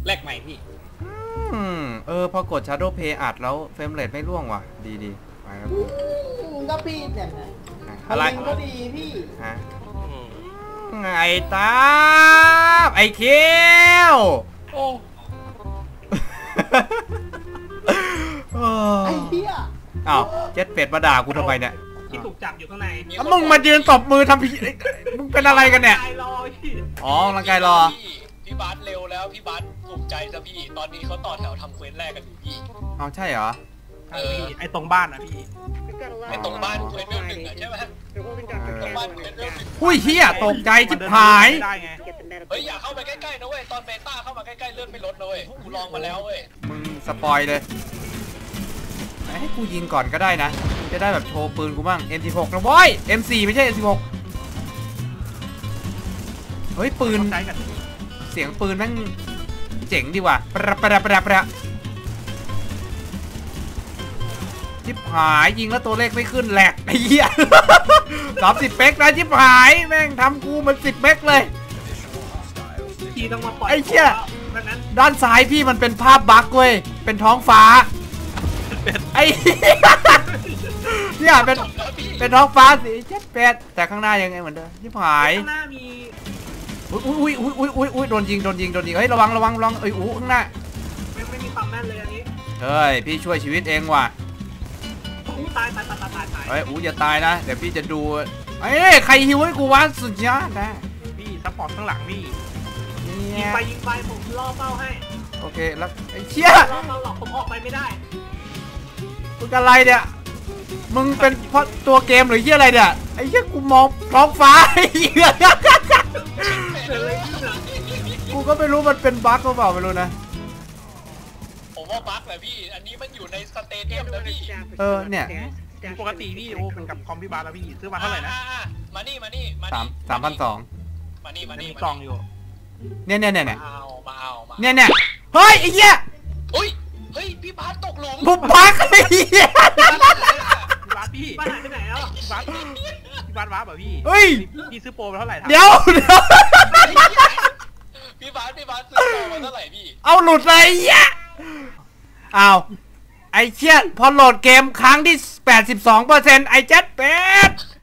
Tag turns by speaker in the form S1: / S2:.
S1: แลกใหม่พี่
S2: พอกด Shadow Play อัดแล้วเฟรมเรทไม่ร่วงว่ะดีไปแล้ว
S3: ก็พี่เนี่ย
S2: อะไร
S3: ก็ดีพี่
S2: ฮะไงตาไอ้เคียว
S1: โอ้
S3: ไอ้เหี้ย
S2: อ้าวเจ็ดเป็ดมาด่ากูทำไมเนี่ย
S1: ที่ถูกจับอยู่ข้างใน
S2: มึงมายืนตบมือทำพี่มึงเป็นอะไรกันเนี่ยอ๋อร่างกายรอ
S4: พี่บาสเร็วแล้วพี่บาสถูกใจซะพี่ตอนนี้เขาต่อแถวทำเควสแรกกันอยู่พี่
S2: เอาใช่เหรอ
S1: ไอ้ตรงบ้านนะพี่
S4: ไอ้ตรงบ้านเควสเรื่องหนึ่งใช่ไหมตรงบ้านเควสเรื่องหนึ่ง
S2: หุ้ยเฮียตกใจจิบหาย
S4: เฮ้ยอย่าเข้าไปใกล้ๆนะเว้ยตอนเบต้าเข้ามาใกล้ๆเลื่อนไม่ลดนะเว้ยกูลองมาแล้วเว้ย
S2: มึงสปอยเลยให้กูยิงก่อนก็ได้นะจะได้แบบโชว์ปืนกูบ้าง M16 นะบอย M4 ไม่ใช่ M16 เฮ้ยปืนเสียงปืนแม่งเจ๋งดีว่ะประจิบหายยิงแล้วตัวเลขไม่ขึ้นแหลกไอ้เหี้ย30 เป๊กนะจิบหายแม่งทำกูมัน10 เป๊กเลยไอ้เหี้ยด้านซ้ายพี่มันเป็นภาพบั๊กเว้ยเป็นท้องฟ้าไอ้เนี่ยเป็นท้องฟ้าสี78แต่ข้างหน้ายังไงเหมือนเดิมจิบหาย
S1: ข้างหน้ามี
S2: อุ้ยโดนยิงเฮ้ยระวังเอ้ยข้างหน้า
S1: ไม่มีความแม่นเลยอันนี้
S2: เฮ้ยพี่ช่วยชีวิตเองว่ะ
S1: ตาย
S2: เฮ้ยอย่าตายนะเดี๋ยวพี่จะดูเอ้ยใครฮิวให้กูวะสุดยอดนะ
S1: พี่ซัพพอร์ตข้างหลังพี่ยิงไปผมล่อเป้าให้
S2: โอเคแล้วไอ้เชี่ย
S1: ล่อเป้าหลอกผมออกไปไม่ได้
S2: มึงอะไรเนี่ยมึงเป็นเพราะตัวเกมหรือเหี้ยอะไรเนี่ยไอ้เหี้ยกูมองท้องฟ้าไอ้เหี้ยกูก็ไม่รู้มันเป็นบั๊กหรือเปล่าไม่รู้นะ
S4: ผมว่าบั๊กแหละพี่อันนี้มันอยู่ในสเตเดียมนะพี่
S2: เนี่ย
S1: ปกติพี่โอ้เป็นกับคอมพี่บาร์แล้วพี่ซื้อมาเท่าไหร่นะ
S4: มานี่
S2: 3,200
S4: มานี่
S1: มีกล่องอยู่
S2: เนี่ย
S4: มา
S2: เนี่ยเฮ้ยไอ้เหี้ย
S4: เฮ้ยพี่บาสตกหลุม
S2: บุบบั๊กไอ้เหี้ย
S1: บาสพี่บาสหายไปไหนแล้วบาสแบบพี่
S2: เฮ้ย
S1: พี่ซื้อโปรมาเท่าไหร่
S2: เดี๋ยว
S4: พี่บาสซื้อโปรมาเท่าไหร่พี่
S2: เอาหลุดเลยไอ้เหี้ยเอาไอ้เชี่ยพอโหลดเกมครั้งที่ 82%ไอ้เจ็ดเป็ด